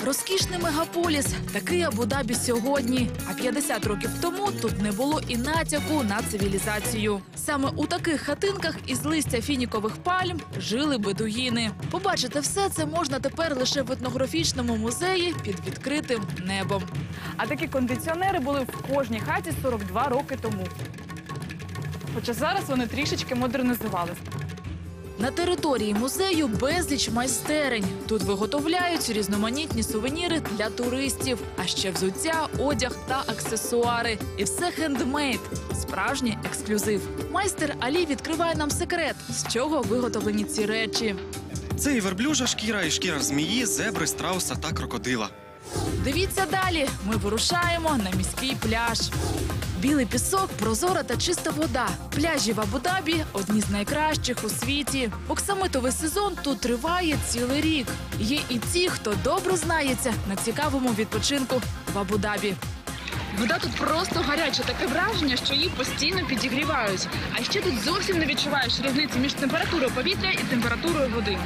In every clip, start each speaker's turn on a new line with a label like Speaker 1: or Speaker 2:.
Speaker 1: Розкішний мегаполіс – такий Абу-Дабі сьогодні. А 50 років тому тут не було і натяку на цивілізацію. Саме у таких хатинках із листя фінікових пальм жили бедуїни. Побачити все це можна тепер лише в етнографічному музеї під відкритим небом.
Speaker 2: А такі кондиціонери були в кожній хаті 42 роки тому. Хоча зараз вони трішечки модернізувалися.
Speaker 1: На території музею безліч майстерень. Тут виготовляють різноманітні сувеніри для туристів, а ще взуття, одяг та аксесуари. І все хендмейд – справжній ексклюзив. Майстер Алі відкриває нам секрет, з чого виготовлені ці речі.
Speaker 3: Це і верблюжа шкіра, і шкіра змії, зебри, страуса та крокодила.
Speaker 1: Дивіться далі. Ми вирушаємо на міський пляж. Білий пісок, прозора та чиста вода. Пляжі в Абу-Дабі – одні з найкращих у світі. Оксамитовий сезон тут триває цілий рік. Є і ті, хто добре знається на цікавому відпочинку в Абу-Дабі.
Speaker 2: Вода тут просто гаряча. Таке враження, що її постійно підігрівають. А ще тут зовсім не відчуваєш різниці між температурою повітря і температурою води.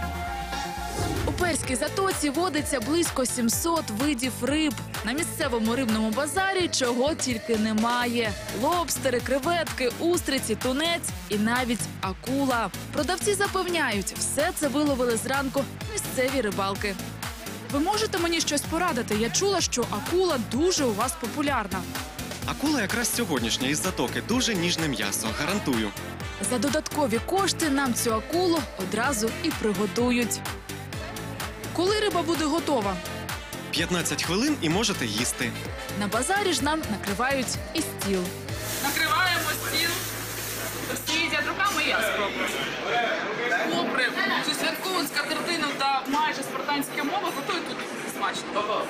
Speaker 1: У Перській затоці водиться близько 700 видів риб. На місцевому рибному базарі чого тільки немає. Лобстери, креветки, устриці, тунець і навіть акула. Продавці запевняють, все це виловили зранку місцеві рибалки. Ви можете мені щось порадити? Я чула, що акула дуже у вас популярна.
Speaker 3: Акула якраз сьогоднішня із затоки. Дуже ніжне м'ясо, гарантую.
Speaker 1: За додаткові кошти нам цю акулу одразу і приготують. Коли риба буде готова?
Speaker 3: 15 хвилин і можете їсти.
Speaker 1: На базарі ж нам накривають і стіл.
Speaker 2: Накриваємо стіл. Всі їдять руками, я спробую. Попри цю святкову скатертину та майже спартанські мови, готують тут смачно.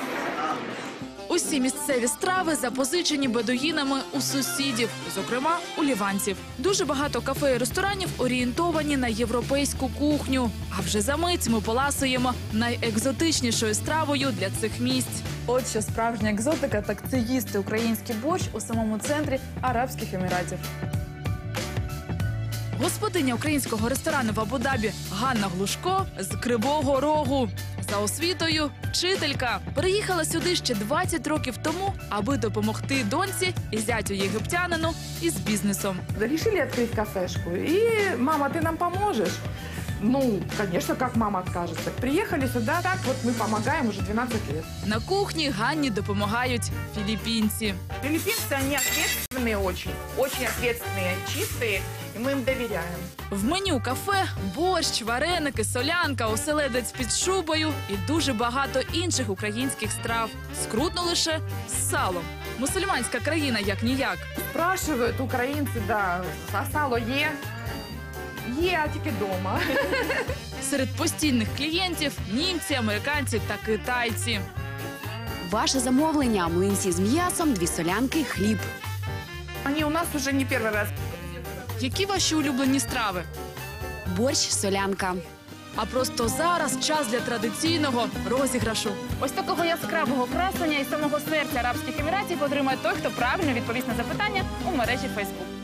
Speaker 1: Усі місцеві страви запозичені бедуїнами у сусідів, зокрема у ліванців. Дуже багато кафе і ресторанів орієнтовані на європейську кухню. А вже за мить ми поласуємо найекзотичнішою стравою для цих місць.
Speaker 2: От що справжня екзотика, так це їсти український борщ у самому центрі Арабських Еміратів.
Speaker 1: Господиня українського ресторану в Абу-Дабі Ганна Глушко з Кривого Рогу. За освітою – вчителька. Переїхала сюди ще 20 років тому, аби допомогти доньці і зятю єгиптянину із бізнесом.
Speaker 4: Решили открыть кафешку. И, мама, ты нам поможешь? Ну, конечно, как мама откажется. Приехали сюда, так вот мы помогаем уже 12 лет.
Speaker 1: На кухні Ганні допомагають філіппінці.
Speaker 4: Филиппинцы, они ответственные очень ответственные, чистые, и мы им доверяем.
Speaker 1: В меню кафе – борщ, вареники, солянка, оселедець під шубою і дуже багато інших українських страв. Скрутно лише з салом. Мусульманська країна як-ніяк.
Speaker 4: Спрашивают украинцы, да, а сало е? Е, а тільки дома.
Speaker 1: Серед постійних клієнтів – німці, американці та китайці.
Speaker 5: Ваше замовлення – млинці з м'ясом, 2 солянки, хліб.
Speaker 4: Они у нас уже не первый раз.
Speaker 1: Які ваші улюблені страви?
Speaker 5: Борщ, солянка.
Speaker 1: А просто зараз час для традиційного розіграшу.
Speaker 2: Ось такого яскравого красення із самого серця Арабських Еміратів отримає той, хто правильно відповість на запитання у мережі Facebook.